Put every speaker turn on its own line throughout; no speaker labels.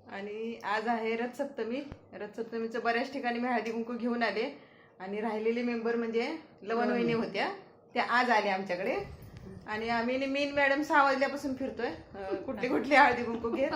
आणि आज आहे रथसप्तमी. रथसप्तमीचं बऱ्याच ठिकाणी मी हळदी कुंकू घेऊन आले आणि राहिलेले मेंबर म्हणजे लवण वहिनी होत्या, त्या आज आल्या आमच्याकडे. आणि आम्ही मीन मॅडम 6 वाजल्यापासून फिरतोय कुठली कुठली हळदी कुंकू घेत.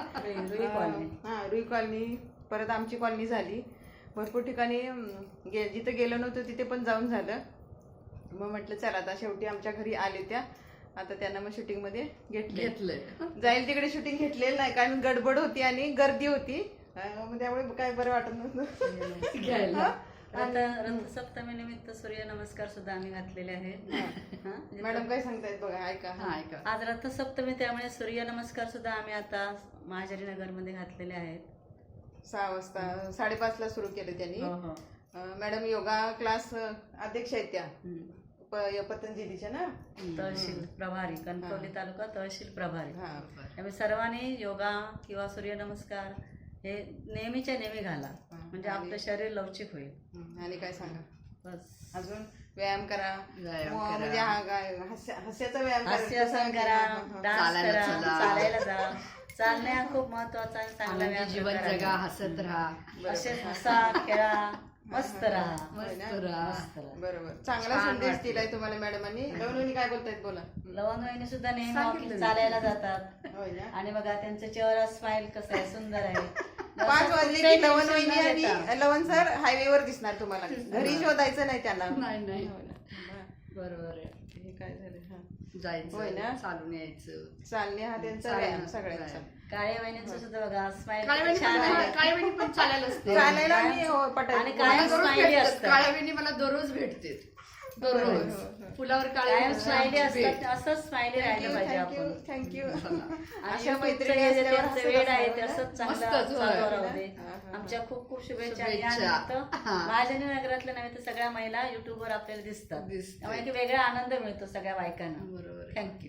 रुई कॉलनी, परत आमची कॉलनी झाली, भरपूर ठिकाणी जिथं गेलो नव्हतं तिथे पण जाऊन झालं. मग म्हटलं चला आता शेवटी आमच्या घरी आले त्या, आता त्यांना मग शूटिंग मध्ये घेतलंय. जाईल तिकडे शूटिंग घेतलेलं नाही कारण गडबड होती आणि गर्दी होती, त्यामुळे काय बरं वाटत नव्हतं.
आता रथसप्तमी निमित्त सूर्य नमस्कार सुद्धा आम्ही घातलेले आहेत.
मॅडम काय सांगतायत बघा, ऐका.
आज रथसप्तमी, त्यामुळे सूर्य नमस्कार सुद्धा आम्ही आता महाजरी नगर मध्ये घातलेले आहेत.
6 वाजता 5:30 ला सुरू केलं त्यांनी. मॅडम योगा क्लास अध्यक्ष आहेत त्या पतंजलीच्या ना,
तहसील प्रभारी, कणकवली तालुका तहसील प्रभारी. त्यामुळे सर्वांनी योगा किंवा सूर्यनमस्कार हे नेहमीच्या नेहमी घाला, म्हणजे आपलं शरीर लवचिक होईल.
आणि काय सांगा,
बस
अजून व्यायाम करा, म्हणजे हास्याचा व्यायाम
करा, डान्स करा, चालायला जा. चालणे हा खूप महत्वाचा आणि चांगला व्यायाम.
जीवन जगा, हसत राहा,
असेच हसा, खेळा, मस्त राहा.
बरोबर, चांगला संदेश दिलाय तुम्हाला मॅडमांनी. लवणवहिनी काय बोलतायत बोला.
लवणवहिनी सुद्धा नेहमी वॉकिंग चालायला जातात आणि बघा त्यांचा चेहरा स्माइल कसा आहे, सुंदर आहे.
5 वाजले की लवणवहिनी आणि लवण सर हायवेवर दिसणार तुम्हाला, घरी शोधायचं नाही त्यांना.
नाही बरोबर आहे.
हे काय झालं,
जायचं
होय ना,
चालून यायचं,
चालणे हा त्यांचा व्यायाम सगळ्यांचा.
काळ्या वहिनींचं सुद्धा बघा स्माइल
छान आहे. काळ्या वेणी पण चालायला असते,
चालायला मी पटायला.
आणि कायम स्माइली असतात.
काळ्या वेणी मला दररोज भेटते, दररोज फुलावर
कायम स्माइली असतात. असंच स्माइली राहिलं पाहिजे आपण.
थँक्यू.
अशा मैत्रिणी वेळ आहे ते असंच चांगलं. आमच्या खूप खूप शुभेच्छा. महाजनी नगरातल्या नव्हे तर सगळ्या महिला युट्यूबवर आपल्याला दिसतात, त्यामुळे एक वेगळा आनंद मिळतो सगळ्या बायकांना.
बरोबर.
थँक्यू.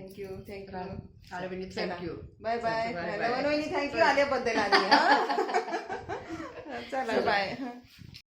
थँक्यू.
Bye bye. लवणवहिनी थँक्यू आल्याबद्दल. चला बाय.